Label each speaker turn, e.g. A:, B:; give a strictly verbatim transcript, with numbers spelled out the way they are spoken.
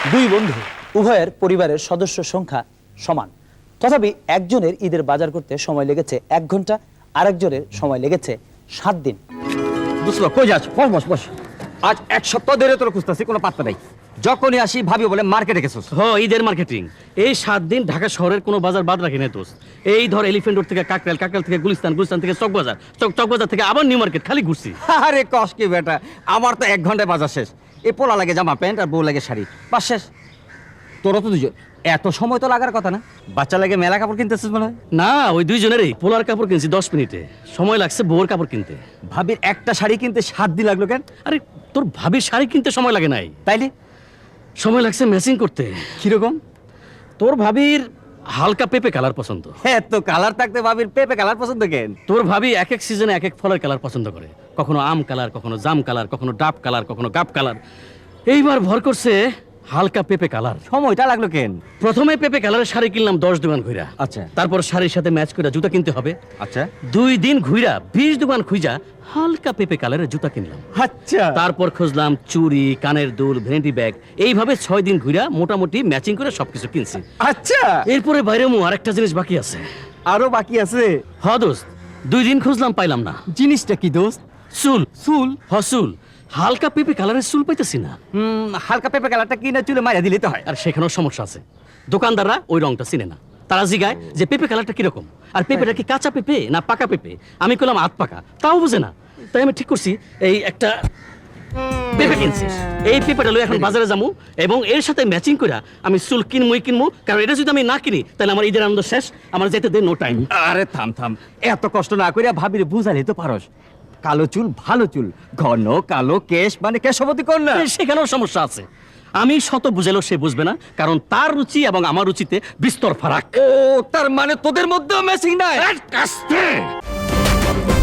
A: দুই বন্ধু উভয়ের পরিবারের সদস্য সংখ্যা সমান, তথাপি একজনের ঈদের বাজার করতে সময় লেগেছে এক ঘন্টা, আরেকজনের সময় লেগেছে সাত দিন।
B: বুঝলো, কই যাস? বস বস বস। আজ এক সপ্তাহ ধরে তোর খুঁজতেছি, কোনো পাত্তা নাই। যখনই আসি ভাবি বলে মার্কেটে গেছিস।
C: হ, ঈদের মার্কেটিং। এই সাত দিন ঢাকা শহরের কোনো বাজার বাদ রাখি না দোস্ত। এই ধর এলিফ্যান্ট রোড থেকে কাকরাইল, কাকরাইল থেকে গুলিস্তান, গুলিস্তান থেকে চকবাজার, চক চকবাজার থেকে আবার নিউ মার্কেট, খালি ঘুরছি।
B: আরে কস কি বেটা, আমার তো এক ঘন্টায় বাজার শেষ। এ পোলা লাগে জামা প্যান্ট আর বউ লাগে শাড়ি, বাস শেষ। তোরা তো দুজন, এত সময় তো লাগার কথা না? বাচ্চা লাগে মেলা কাপড় কিনতেছিস মনে হয়?
C: না, ওই দুইজনেরই পোলার কাপড় কিনছি দশ মিনিটে। সময় লাগছে বউর কাপড় কিনতে।
B: ভাবির একটা শাড়ি কিনতে সাত দিন লাগলো কেন?
C: আরে তোর ভাবির শাড়ি কিনতে সময় লাগে নাই,
B: তাইলে
C: সময় লাগছে ম্যাচিং করতে।
B: কিরকম?
C: তোর ভাবির হালকা পেপে কালার পছন্দ।
B: হ্যাঁ, তো কালার থাকতে ভাবির পেপে কালার পছন্দ কেন?
C: তোর ভাবি এক এক সিজনে এক এক ফলের কালার পছন্দ করে। কখনো আম কালার, কখনো জাম কালার, কখনো ডাব কালার, কখনো গাব কালার। এইবার ভর করছে হালকা পেপে কালার।
B: সময়টা লাগলো কেন?
C: প্রথমে পেপে কালারের শাড়ি কিনলাম দশ দোকান ঘুরা।
B: আচ্ছা।
C: তারপর শাড়ির সাথে ম্যাচ করে জুতা কিনতে হবে।
B: আচ্ছা
C: দুই দিন ঘুরা বিশ দোকান খুঁজা হালকা পেপে কালারের জুতা কিনলাম।
B: আচ্ছা
C: তারপর খুঁজলাম চুড়ি, কানের দুল, ভ্যানিটি ব্যাগ। এইভাবে ছয় দিন ঘুরা মোটামুটি ম্যাচিং করে সবকিছু কিনছি।
B: আচ্ছা,
C: এরপরে বাইরে মু আরেকটা জিনিস বাকি আছে।
B: আরো বাকি আছে?
C: হ দোস্ত, দুই দিন খুঁজলাম পাইলাম না।
B: জিনিসটা কি দোস্ত?
C: চুল।
B: চুল?
C: হ চুল, হালকা পেপে কালারের চুল পাইতেছি না।
B: হুম, হালকা পেপে কালারটা কিনে চুলে মাইরা দিলে তো হয়।
C: আর সেখানেও সমস্যা আছে, দোকানদাররা ওই রংটা চিনে না। তারা জিগায় যে পেঁপে কালারটা কিরকম, আর পেঁপেটা কি কাঁচা পেঁপে না পাকা পেঁপে। আমি কইলাম আধ পাকা, তাও বুঝে না। তাই আমি ঠিক করছি এই একটা পেঁপে কিনছি। এই পেঁপেটা লই এখন বাজারে যাবো এবং এর সাথে ম্যাচিং করে আমি চুল কিনবই কিনবো, কারণ এটা যদি আমি না কিনি তাহলে আমার ঈদের আনন্দ শেষ। আমার যেতে দে, নো টাইম।
B: আরে থাম থাম, এত কষ্ট না করিয়া ভাবিরে বুঝালে তো পারস। কালো চুল ভালো চুল, ঘন কালো কেশ মানে কেশবতী কন্যা।
C: সেখানেও সমস্যা আছে। আমি শত বুঝালেও সে বুঝবে না, কারণ তার রুচি এবং আমার রুচিতে বিস্তর ফারাক।
B: ও, তার মানে তোদের মধ্যেও ম্যাচিং নাই?
C: কাস্তে